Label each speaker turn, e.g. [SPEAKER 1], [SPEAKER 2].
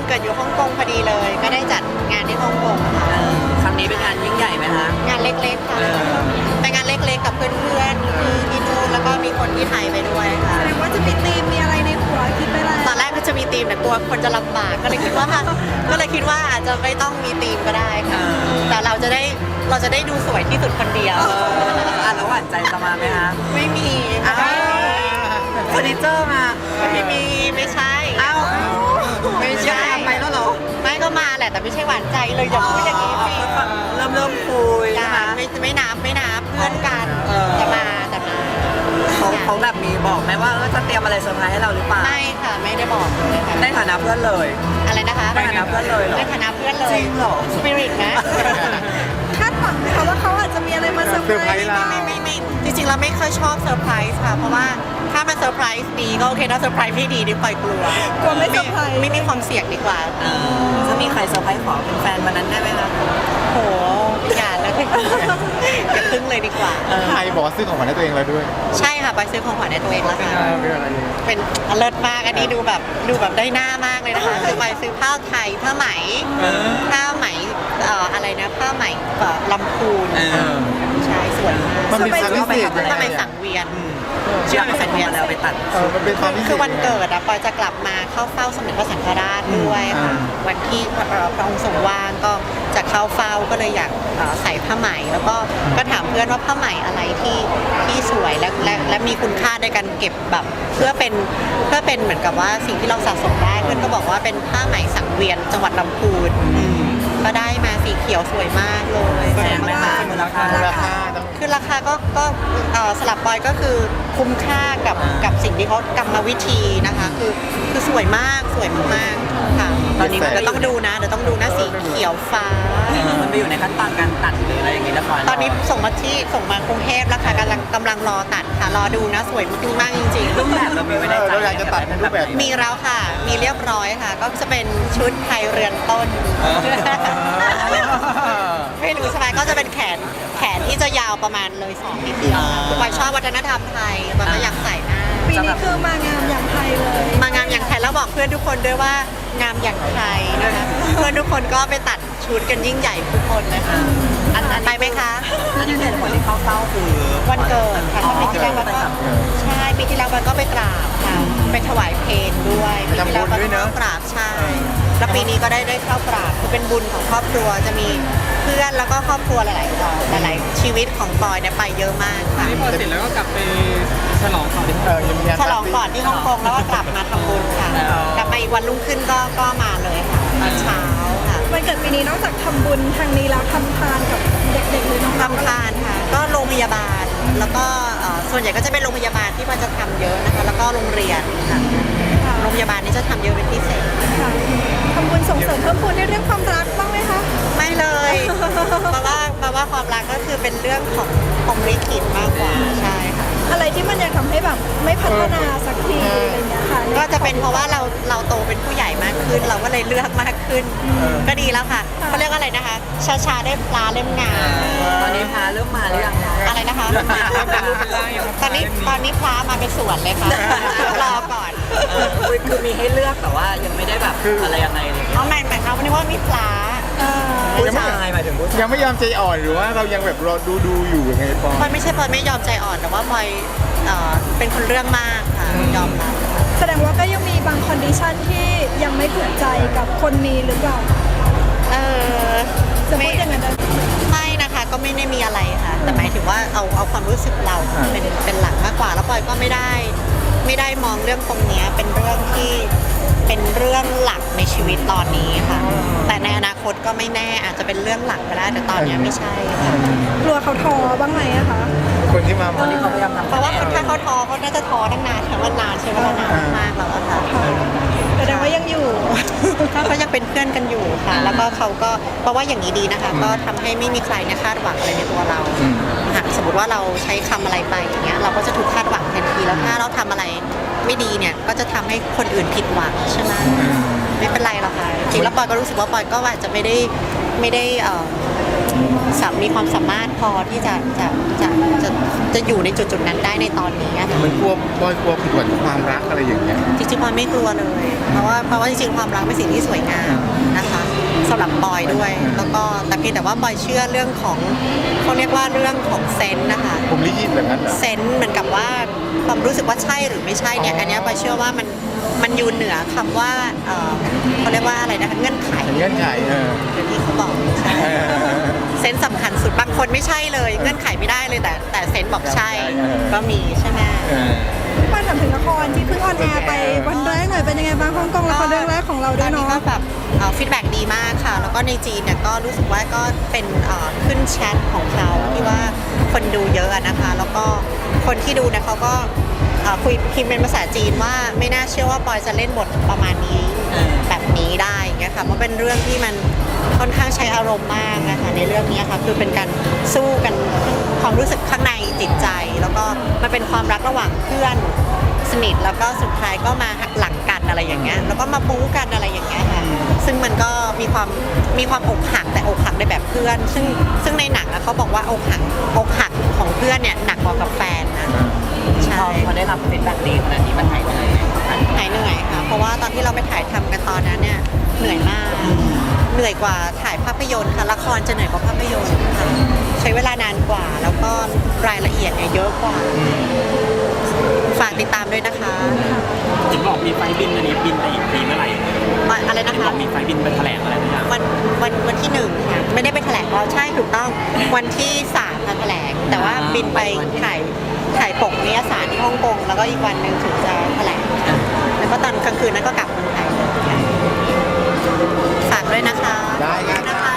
[SPEAKER 1] เกิดอยู่ฮ่องกงพอดีเลยก็ได้จัดงานที่ฮ่องกงค่ะ
[SPEAKER 2] ครั้งนี้เป็นงานยิ่งใหญ่ไหมคะ
[SPEAKER 1] งานเล็กๆค่ะเป็นงานเล็กๆกับเพื่อนๆที่นู่นแล้วก็มีคนที่ไทยไปด้วยค่ะ
[SPEAKER 3] แสดงว่าจะมีธีมมีอะไรในหัวคิดไปแล้ว
[SPEAKER 1] ตอนแรกก็จะมีธีมแต่กลัวคนจะลำบากก็เลยคิดว่าอาจจะไม่ต้องมีธีมก็ได้ค่ะแต่เราจะได้ดูสวยที่สุดคนเดียว
[SPEAKER 2] แล้วหวานใจจะมาไหมคะ
[SPEAKER 1] ไม่มี
[SPEAKER 2] อ้าวเฟอร์นิเจอร์มา
[SPEAKER 1] ไม่มีไม่ใช่
[SPEAKER 2] อ้าว
[SPEAKER 1] ไม่ใช่
[SPEAKER 2] ไปแล้วเหรอ
[SPEAKER 1] ไม่ก็มาแหละแต่ไม่ใช่หวานใจเลยอย่าพูดอย่างนี้สิ
[SPEAKER 2] เริ่มคุย
[SPEAKER 1] อย่า
[SPEAKER 2] นะคะ
[SPEAKER 1] ไม่นับเพื่อนกันแต่มา
[SPEAKER 2] เขาแบบมีบอกไหมว่าจะเตรียมอะไรเซอร์ไพรส์ให้เราหรือเปล่า
[SPEAKER 1] ไม่ค่ะไม่ได้บอกเลยค่ะ
[SPEAKER 2] ในฐานะเพื่อนเลย
[SPEAKER 1] อะไรนะคะ
[SPEAKER 2] ในฐานะเพื่อนเลยเหรอ
[SPEAKER 1] ในฐานะเพื่อนเล
[SPEAKER 2] จ
[SPEAKER 1] ย
[SPEAKER 2] ริงเหรอ
[SPEAKER 1] สปิริตนะ
[SPEAKER 3] คาดหวังไหมคะว่าเขาอาจจะมีอะไรมาเซอร์ไพรส์เรา
[SPEAKER 1] ไม่จริงๆเราไม่ค่อยชอบเซอร์ไพรส์ค่ะเพราะว่าถ้ามันเซอร์ไพรส์ดีก็โอเคถ้าเซอร์ไพรส์ไม่ดีนี่ปล่อยกลัว
[SPEAKER 3] กลัวไม่เซอร์ไพรส์
[SPEAKER 1] ไม่มีความเสี่ยงดีกว่า
[SPEAKER 2] จะมีใครเซอร์ไพรส์ขอเป็นแฟนวันนั้นได้ไหมคะ
[SPEAKER 1] โหอย่าเลยอย่าพึ่งเลยดีกว่า
[SPEAKER 4] ใครบอกว่าซื้อของขวัญให้ตัวเองแล้วด้วย
[SPEAKER 1] ใช่ค่ะไปซื้อของขวัญให้ตัวเองแล้วค่ะ
[SPEAKER 4] เป็นอะไร
[SPEAKER 1] เป็นเลิศมากอันนี้ดูแบบได้หน้ามากเลยนะคะคือไปซื้อผ้าไทยผ้าไหมอะไรนะผ้าไหมลำพูนใช่สวยมาก
[SPEAKER 4] มันเป็นความพิเศษยัง
[SPEAKER 1] ผ้าไหม
[SPEAKER 4] ไง
[SPEAKER 1] สังเวียน
[SPEAKER 2] เชื่อไปใส่ของมาแล้วไปตัด
[SPEAKER 4] มันเป็นความพิเศษ
[SPEAKER 1] คือวันเกิดอะปอยจะกลับมาเข้าเฝ้าสมเด็จพระสังฆราชด้วยค่ะวันที่พระองค์ทรงว่างก็จะเข้าเฝ้าก็เลยอยากใส่ผ้าไหมแล้วก็ถามเพื่อนว่าผ้าไหมอะไรที่สวยและมีคุณค่าในการเก็บแบบเพื่อเป็นเหมือนกับว่าสิ่งที่เราสะสมได้เพื่อนก็บอกว่าเป็นผ้าไหมสังเวียนจังหวัดลำพูนก็ได้มาสีเขียวสวยมากเลย
[SPEAKER 2] แพงไหมคะมูลค่า
[SPEAKER 4] มูลค่าต้อง
[SPEAKER 1] คือราคาก็สลับปอยก็คือคุ้มค่ากับสิ่งที่เขากรรมวิธีนะคะคือสวยมากสวยมากๆค่ะตอนนี้มันก็ต้องดูนะเดี๋ยวต้องดูนะสีเขียวฟ้า
[SPEAKER 2] มันไปอยู่ในขั้นตอนการตัดหรืออะไรอย่างงี้แล้วก่อน
[SPEAKER 1] ตอนนี้ส่งมากรุงเทพแล้วค่ะกำลังรอตัดค่ะรอดูนะสวยมากจริง
[SPEAKER 2] รูปแบบเรามีไว้ในใจ
[SPEAKER 4] เราอยากจะตัดเป็นรูปแบบ
[SPEAKER 1] ๆมีแล้วค่ะมีเรียบร้อยค่ะ ก็จะเป็นชุดไทยเรือนต้น ไม่รู้ใช่ไหมก็จะเป็นแขนที่จะยาวประมาณเลย2 นิดเดียวปอยชอบวัฒนธรรมไทยปอยก็อยากใส่หน้า
[SPEAKER 3] ปีนี้คือมางามอย่างไทยเลย
[SPEAKER 1] มางามอย่างไทยแล้วบอกเพื่อนทุกคนด้วยว่างามอย่างไทยนะคะเพื่อนทุกคนก็ไปตัดชุดกันยิ่งใหญ่ทุกคนเลยค่ะอันไปไหมคะ
[SPEAKER 2] อันนี้เหตุผลที่เข้าเฝ้าคือ
[SPEAKER 1] วันเกิดค่ะปีที่แล้วก็ใช่ปีที่แล้วมันก็ไปกราบค่ะไปถวายเพลงด้วยปีที่แล้วก็เข้ากราบใช่แล้วปีนี้ก็ได้เข้ากราบคือเป็นบุญของครอบครัวจะมีเพื่อนแล้วก็ครอบครัวหลายๆชีวิตของปอยเนี่ยไปเยอะมากค่ะ
[SPEAKER 5] นี่พอเสร็จแล้วก็กลับไปฉลองต่อ
[SPEAKER 4] ยังมีงาน
[SPEAKER 1] ฉลองก่อนที่ฮ่องกงแล้วก็กลับมาทำบุญค่ะกลับมาอีกวันรุ่งขึ้นก็มาเลยค่ะตอนเช้าค่ะ
[SPEAKER 3] วันเกิดปีนี้นอกจากทำบุญทางนี้แล้วทำทานกับเด็กๆหรือน้อง
[SPEAKER 1] ทำทานค่ะก็โรงพยาบาลแล้วก็ส่วนใหญ่ก็จะเป็นโรงพยาบาลที่มันจะทำเยอะนะคะแล้วก็โรงเรียนค่ะโรงพยาบาลนี่จะทำเยอะเป็นพิเศษ
[SPEAKER 3] ค่ะทำบุญส่งเสริมเพิ่มพูนในเรื่องความรักบ้างไหมคะ
[SPEAKER 1] ไม่เลยเพราะว่าความรักก็คือเป็นเรื่องของพรหมลิขิตมากกว่าใช่ค่ะ
[SPEAKER 3] อะไรที่มันยังทำให้แบบไม่พัฒนาสักทีอะไรอย่างเงี้ยค่ะ
[SPEAKER 1] ก็จะเป็นเพราะว่าเราโตเป็นผู้ใหญ่มากขึ้น เราก็เลยเลือกมากขึ้น ก็ดีแล้วค่ะเขาเรียกว่าอะไรนะคะชาได้ปลาเล่มงาม
[SPEAKER 2] ตอนนี้พาเริ่มมาหรือยังคะ
[SPEAKER 1] อะไรนะคะตอนนี้พลามาเป็นสวนเลยค่ะรอก่อน
[SPEAKER 2] คือมีให้เลือกแต่ว่ายังไม่ได้แบบอะไรยังไงเลย
[SPEAKER 1] เอาใหม่เขาวันนี้ว่ามีปลา
[SPEAKER 2] ผู้ชายหมายถึงผู้ชาย
[SPEAKER 4] ยังไม่ยอมใจอ่อนหรือว่าเรายังแบบรอดูอยู่ยังไงปอ
[SPEAKER 1] พลอยไม่ใช่พลอยไม่ยอมใจอ่อนแต่ว่าพลอยเป็นคนเรื่องมากค่ะยอมรับ
[SPEAKER 3] แสดงว่าก็ยังมีบางคอนดิชันที่ยังไม่ถูกใจกับคนนี้หรือเปล่า จะพูดอย่างนั้นได้ไหม
[SPEAKER 1] ไม่นะคะก็ไม่ได้มีอะไรค่ะ แต่หมายถึงว่าเอาความรู้สึกเราเป็นหลักมากกว่า แล้วพลอยก็ไม่ได้มองเรื่องตรงเนี้ยเป็นเรื่องที่เป็นเรื่องหลักในชีวิตตอนนี้ค่ะ แต่ในอนาคตก็ไม่แน่อาจจะเป็นเรื่องหลักก็ได้แต่ตอนเนี้ยไม่ใช่ค่ะ
[SPEAKER 3] กลัวเขาท้อบ้างไหมอะคะ
[SPEAKER 4] คนที่มา
[SPEAKER 2] ตอนนี้เขาพยายามทำ
[SPEAKER 1] เพราะว่าถ้าเขาท้อเขาน่าจะท้อตั้งนานค่ะว่านานใช่ไหมว่านานมากแล้วอะค่ะ
[SPEAKER 3] แสดงว่ายังอยู่
[SPEAKER 1] ก็ยังเป็นเพื่อนกันอยู่ค่ะ แล้วก็เขาก็เพราะว่าอย่างนี้ดีนะคะ ก็ทำให้ไม่มีใครเนี่ยคาดหวังอะไรในตัวเราหากสมมติว่าเราใช้คำอะไรไปอย่างเงี้ยเราก็จะถูกคาดหวังทันทีแล้วถ้าเราทำอะไรไม่ดีเนี่ยก็จะทำให้คนอื่นผิดหวังใช่ไหมไม่เป็นไรหรอกค่ะจริงแล้วปอยก็รู้สึกว่าปอยก็อาจจะไม่ได้มีความสามารถพอที่จะอยู่ในจุดนั้นได้ในตอนนี้อะค่ะ
[SPEAKER 4] มันกลัวบอยกลัวผิดหวังความรักอะไรอย่างเงี้ย
[SPEAKER 1] จริงๆปอยไม่กลัวเลย เพราะว่าจริงๆความรักเป็นสิ่งที่สวยงามนะคะสำหรับปอยด้วย แล้วก็แต่เพียงแต่ว่าปอยเชื่อเรื่องของเขาเรียกว่าเรื่องของเซนส์นะคะ
[SPEAKER 4] ผมลิขิตแบบนั้นเหรอ
[SPEAKER 1] เซนส์เหมือนกับว่าความรู้สึกว่าใช่หรือไม่ใช่เนี่ยอันเนี้ยปอยเชื่อว่ามันอยู่เหนือคำว่าเขาเรียกว่าอะไรนะคะเงื่อนไข
[SPEAKER 4] เงื่อนไข
[SPEAKER 1] อย่างที่เขาบอกใช่เซนส์สำคัญสุดบางคนไม่ใช่เลยเงื่อนไขไม่ได้เลยแต่เซนส์บอกใช่ก็มีใช่ไหม
[SPEAKER 3] พี่ปอยถามถึงละครที่เพิ่งออนแอร์ไปวันแรกหน่อยเป็นยังไงบ้างฮ่องกงละครเรื่องแรกของเราด้วย
[SPEAKER 1] ตอนนี้
[SPEAKER 3] เนาะ
[SPEAKER 1] ก็แบบฟีดแบ็กดีมากค่ะ แล้วก็ในจีนเนี่ยก็รู้สึกว่าก็เป็นขึ้นแชทของเขาที่ว่าคนดูเยอะอะนะคะ แล้วก็คนที่ดูเนี่ยเขาก็คุยพิมพ์เป็นภาษาจีนว่าไม่น่าเชื่อว่าปอยจะเล่นบทประมาณนี้แบบนี้ได้เงี้ยค่ะเพราะเป็นเรื่องที่มันค่อนข้างใช้อารมณ์มากนะคะในเรื่องนี้ค่ะคือเป็นการสู้กันความรู้สึกข้างในจิตใจ แล้วก็มันเป็นความรักระหว่างเพื่อนสนิทแล้วก็สุดท้ายก็มาหักหลังกันอะไรอย่างเงี้ยแล้วก็มาบู๊กันอะไรอย่างเงี้ยค่ะซึ่งมันก็มีความอกหักแต่อกหักในแบบเพื่อน ซึ่งในหนังอะเขาบอกว่าอกหักของเพื่อนเนี่ยหนักกว่ากับแฟนนะใช่
[SPEAKER 2] พอได้รับฟีดแบ็กดีขนาดนี้มันหายเหนื่อยไหม
[SPEAKER 1] หายเหนื่อยค่ะเพราะว่าตอนที่เราไปถ่ายทำกันตอนนั้นเนี่ยเหนื่อยมากเหนื่อยกว่าถ่ายภาพยนตร์ค่ะละครจะเหนื่อยกว่าภาพยนตร์ค่ะใช้เวลานานกว่าแล้วก็รายละเอียดเนี่ยเยอะกว่าฝากติดตามด้วยนะคะ
[SPEAKER 5] เห็นบอกมีไฟล์บินอันนี้บินไปอีกทีเมื่อไหร่
[SPEAKER 1] อะไรนะ
[SPEAKER 5] เห็นบ
[SPEAKER 1] คะ
[SPEAKER 5] อกมีไฟล์บินไปแถลงอะไรบางอย่าง
[SPEAKER 1] วันที่1ค่ะไม่ได้ไปแถลงเราใช่ถูกต้องวันที่3ค่ะแถลง แต่ว่าบินไปถ่ายปกนิยสารที่ฮ่องกงแล้วก็อีกวันหนึ่งถึงจะแถลงแล้วก็ตอนกลางคืนนั้นก็กลับเมืองไทยฝากด้วยนะคะ
[SPEAKER 4] ได้ครับ
[SPEAKER 1] นะคะ